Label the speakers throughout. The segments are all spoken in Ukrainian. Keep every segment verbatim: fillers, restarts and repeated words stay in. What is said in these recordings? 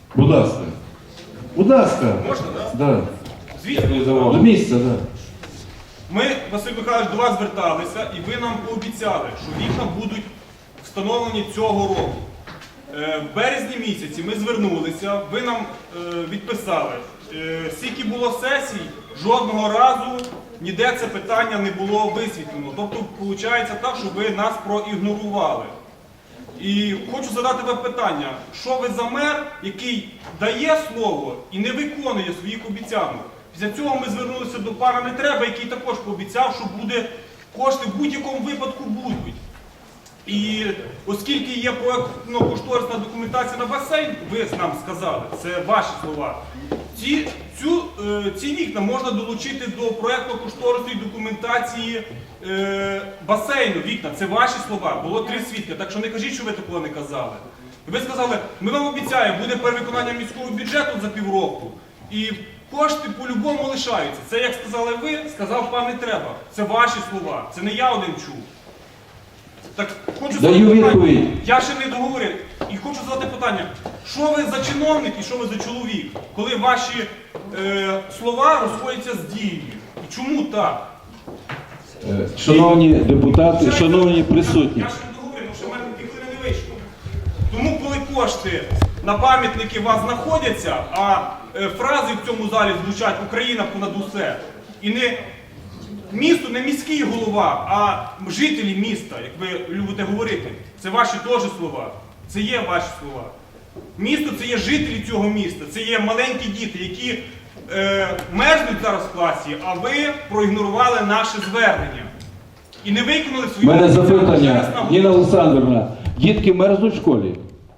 Speaker 1: Будь ласка. Будь ласка.
Speaker 2: Можна, так?
Speaker 1: Да.
Speaker 2: Звісно.
Speaker 1: До місця, так. Да.
Speaker 2: Ми, Василь Михайлович, до вас зверталися, і ви нам пообіцяли, що вікна будуть встановлені цього року. Е, В березні місяці ми звернулися, ви нам е, відписали. Е, Скільки було сесій, жодного разу ніде це питання не було висвітлено. Тобто, виходить так, що ви нас проігнорували. І хочу задати вам питання, що ви за мер, який дає слово і не виконує своїх обіцянок? Після цього ми звернулися до пана Нетреба, який також пообіцяв, що буде кошти в будь-якому випадку будуть. І оскільки є проєктно-кошторисна документація на басейн, ви нам сказали, це ваші слова, ці, цю, е, ці вікна можна долучити до проєктно-кошторисної документації е, басейну. Вікна, це ваші слова, було три свідки, так що не кажіть, що ви такого не казали. І ви сказали, ми вам обіцяємо, буде перевиконання міського бюджету за півроку, і кошти по-любому лишаються. Це, як сказали ви, сказав пан Нетреба. Це ваші слова, це не я один чув. Так, хочу
Speaker 1: Даю
Speaker 2: задати питання.
Speaker 1: відповідь.
Speaker 2: Я ще не договорив. І хочу задати питання, що ви за чоловік і що ви за чоловік, коли ваші е, слова розходяться з дією? І чому так?
Speaker 1: Е, Шановні депутати,
Speaker 2: Ще
Speaker 1: шановні
Speaker 2: я-
Speaker 1: присутні.
Speaker 2: Я ще не договорив, тому що в мене дві хвилини не вийшло. Тому, коли кошти на пам'ятники у вас знаходяться, а е, фрази в цьому залі звучать «Україна понад усе», і не місто, не міський голова, а жителі міста, як ви любите говорити, це ваші теж слова, це є ваші слова. Місто – це є жителі цього міста, це є маленькі діти, які е, мерзнуть зараз в класі, а ви проігнорували наше звернення. І не виконали
Speaker 1: У
Speaker 2: свої...
Speaker 1: мене
Speaker 2: Ще раз
Speaker 1: запитання,
Speaker 2: наголошую.
Speaker 1: Ніна Олександрівна, дітки мерзнуть в школі?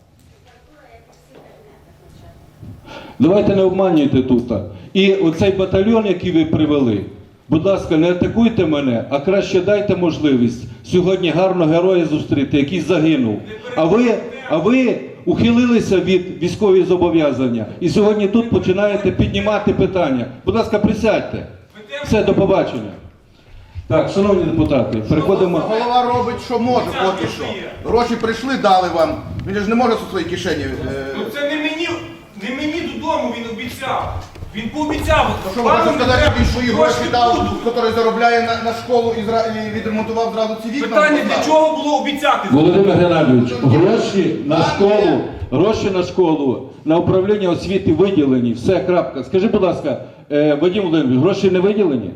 Speaker 1: Давайте не обманюйте тут. І оцей батальйон, який ви привели, будь ласка, не атакуйте мене, а краще дайте можливість сьогодні гарно героя зустріти, який загинув. А ви, а ви ухилилися від військових зобов'язання і сьогодні тут починаєте піднімати питання. Будь ласка, присядьте. Все, до побачення. Так, шановні депутати, переходимо.
Speaker 3: Голова робить, що може поки що. Гроші прийшли, дали вам. Він ж не може у своїй кишені. е,
Speaker 2: Ну це не мені, не мені додому він обіцяв. Він пообіцяв.
Speaker 3: Що ви
Speaker 2: пану
Speaker 3: хочете сказати,
Speaker 2: Нетреба,
Speaker 3: що він свої
Speaker 2: що
Speaker 3: гроші
Speaker 2: кошти
Speaker 3: дав,
Speaker 2: будуть.
Speaker 3: який заробляє на, на школу і, зра... і відремонтував зразу ці вікна?
Speaker 2: Питання,
Speaker 3: Ну,
Speaker 2: для
Speaker 3: так.
Speaker 2: чого було обіцяти?
Speaker 1: Володимир Геннадійович, гроші на школу, гроші на школу, на управління освіти виділені, все, крапка. Скажи, будь ласка, е, Вадим Володимирович, гроші не виділені?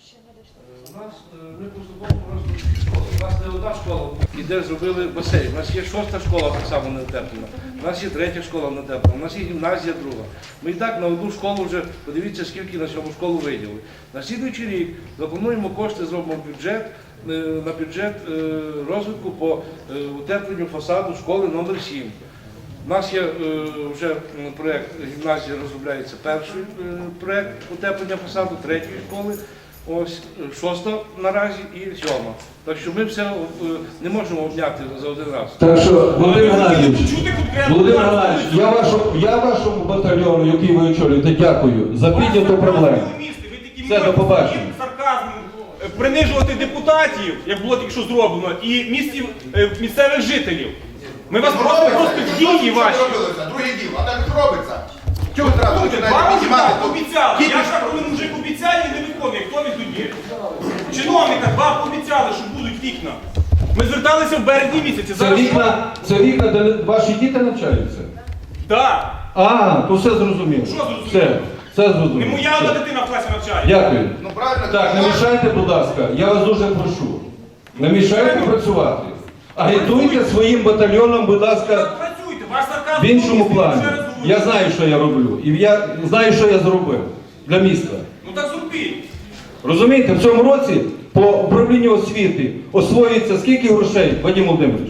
Speaker 4: У нас е, ми поступово розвитку школи. У нас не одна школа, і де зробили басейн. У нас є шоста школа так само не утеплена. У нас є третя школа не утеплена. У нас є гімназія друга. Ми і так на одну школу вже, подивіться, скільки на цьому школу виділили. На слідуючий рік заплануємо кошти, зробимо бюджет, е, на бюджет е, розвитку по е, утепленню фасаду школи номер сім. У нас є е, вже м, проєкт гімназії, розробляється перший е, проєкт утеплення фасаду третьої школи, ось е, шоста наразі і сьома. Так що ми все е, не можемо обняти за один раз.
Speaker 1: Так що, Володимир Геннадійович,
Speaker 2: Чути конкретно.
Speaker 1: Володимир Геннадійович, я, вашу, я вашому батальйону, який ви очолюєте, дякую за підняту проблему. Все, до побачення.
Speaker 2: Сарказмом е, принижувати депутатів, як було тільки що зроблено, і місців, е, місцевих жителів. Ми вас просто
Speaker 3: Робиться.
Speaker 2: просто в
Speaker 3: Що
Speaker 2: дії
Speaker 3: це
Speaker 2: ваші.
Speaker 3: робилося? Друге діло, а так ж робиться. Чого ви зразу
Speaker 2: Слухайте,
Speaker 3: починаєте
Speaker 2: вам
Speaker 3: піднімати?
Speaker 2: вже обіцяли.
Speaker 3: Діти
Speaker 2: Я
Speaker 3: ж-
Speaker 2: ж коли мужик обіцяє і не виконує. Хто він тоді? Чиновника, вам обіцяли, що будуть вікна. Ми зверталися в березні місяці.
Speaker 1: Це
Speaker 2: Зараз
Speaker 1: вікна, це вікна, де ваші діти навчаються?
Speaker 2: Так.
Speaker 1: А, то все зрозуміло.
Speaker 2: Що зрозуміло?
Speaker 1: Все, все
Speaker 2: Не
Speaker 1: зрозуміло.
Speaker 2: моя
Speaker 1: Все.
Speaker 2: одна дитина в класі навчає.
Speaker 1: Дякую.
Speaker 3: Ну правильно.
Speaker 1: Так, не мішайте, будь ласка, я вас дуже прошу. Не мішайте працювати. Агітуйте своїм батальйоном, будь ласка,
Speaker 2: Так працюйте, ваш сарказм
Speaker 1: в іншому
Speaker 2: повністю
Speaker 1: плані.
Speaker 2: ще раз говорю.
Speaker 1: Я знаю, що я роблю. І я знаю, що я зробив для міста.
Speaker 2: Ну так зробіть.
Speaker 1: Розумієте, в цьому році по управлінню освіти освоюється скільки грошей, Вадим Володимирович?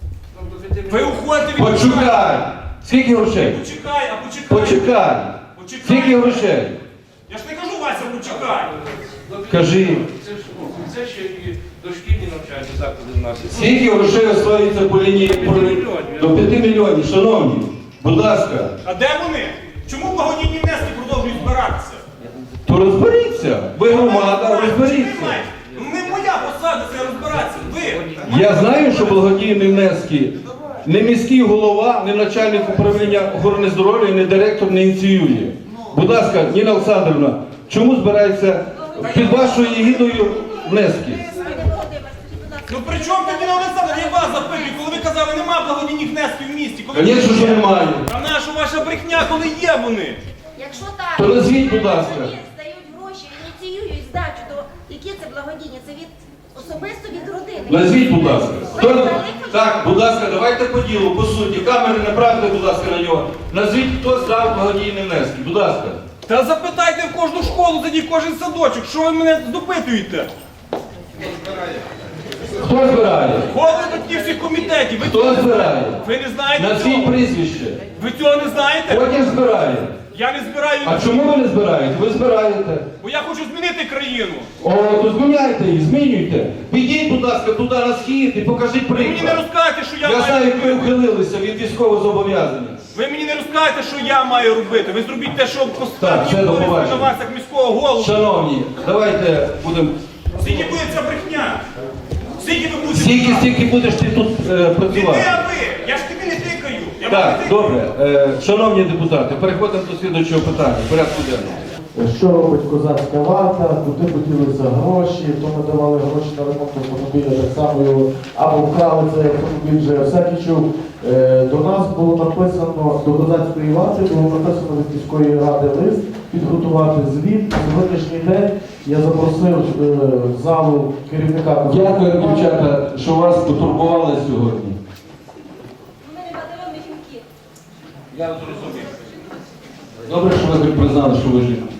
Speaker 2: Ви уходите від...
Speaker 1: Почекай! Скільки грошей?
Speaker 2: Почекай, а почекай.
Speaker 1: Почекай!
Speaker 2: Почекай.
Speaker 1: Скільки грошей?
Speaker 2: Я ж не кажу, Вася, почекай.
Speaker 1: Кажи.
Speaker 4: Це, ж, ну, це ще і дошкільні навчальні заклади в нас.
Speaker 1: Скільки грошей освоюється по лінії до п'яти мільйонів, шановні? Будь ласка,
Speaker 2: А де вони? Чому благодійні внески продовжують збиратися?
Speaker 1: то розберіться. Ви громада, розберіться.
Speaker 2: Ну не моя посада це розбиратися. Ви.
Speaker 1: Я знаю, що благодійні внески не міський голова, не начальник управління охорони здоров'я, не директор не ініціює. Будь ласка, Ніна Олександрівна, чому збирається під вашою егідою внески?
Speaker 2: Ну при чому тоді на Олександр? Я вас запитую, коли ви казали, нема благодійних внесків в місті. Коли
Speaker 1: Звісно, що немає.
Speaker 2: Та наша ваша брехня, коли є вони?
Speaker 5: Якщо так,
Speaker 1: То назвіть, будь ласка.
Speaker 5: вони здають гроші, ініціюють здачу, то які це благодійні? Це від особисто від родини.
Speaker 1: Назвіть, будь ласка. Хто... Так, будь ласка, давайте по ділу, по суті. Камери направте, будь ласка, на нього. Назвіть, хто здав благодійні внески. Будь ласка.
Speaker 2: Та запитайте в кожну школу, тоді в кожен садочок, що ви мене допитуєте?
Speaker 1: Хто збирає?
Speaker 2: Голови до ті всіх комітетів, ви,
Speaker 1: Хто збирає?
Speaker 2: ви не знаєте
Speaker 1: Назвіть
Speaker 2: цього?
Speaker 1: прізвище.
Speaker 2: Ви цього не знаєте?
Speaker 1: Потім збирає.
Speaker 2: Я не збираю,
Speaker 1: А чому ви не збираєте? Ви збираєте.
Speaker 2: бо я хочу змінити країну.
Speaker 1: О, то зміняйте її, змінюйте. Підіть, будь ласка, туди на схід і покажіть
Speaker 2: Ви мені не
Speaker 1: приклад.
Speaker 2: розкажете, що я,
Speaker 1: Я
Speaker 2: маю
Speaker 1: знаю, як ви
Speaker 2: робити.
Speaker 1: ухилилися від військового зобов'язання.
Speaker 2: Ви мені не розкажете, що я маю робити. Ви зробіть те, що
Speaker 1: Так,
Speaker 2: поставлені
Speaker 1: все, до
Speaker 2: обов'язки на
Speaker 1: побачення.
Speaker 2: вас, як міського голову.
Speaker 1: Шановні, давайте будемо...
Speaker 2: Скільки буде ця брехня? Скільки ви будете?
Speaker 1: Стільки,
Speaker 2: брехати?
Speaker 1: стільки будеш ти тут е,
Speaker 2: Не ти,
Speaker 1: працювати.
Speaker 2: а ви! Я ж тобі не тикаю. Я
Speaker 1: Так,
Speaker 2: вам не тикаю.
Speaker 1: добре. Е, шановні депутати, переходимо до слідуючого питання. Порядку денного.
Speaker 6: Що робить козацька варта, куди поділися гроші, то ми давали гроші на ремонт автомобіля, так само його або вкрали цей автомобіль, вже всякий чув. Е, До нас було написано, до козацької варти було написано від міської ради лист, підготувати звіт. На сьогоднішній день я запросив е, в залу керівника козацької
Speaker 1: Дякую,
Speaker 6: варти.
Speaker 1: дівчата, що вас потурбували сьогодні.
Speaker 5: Ми не батальйонні жінки.
Speaker 2: Я зрозумів.
Speaker 1: Добре, що ви признали, що ви жінка.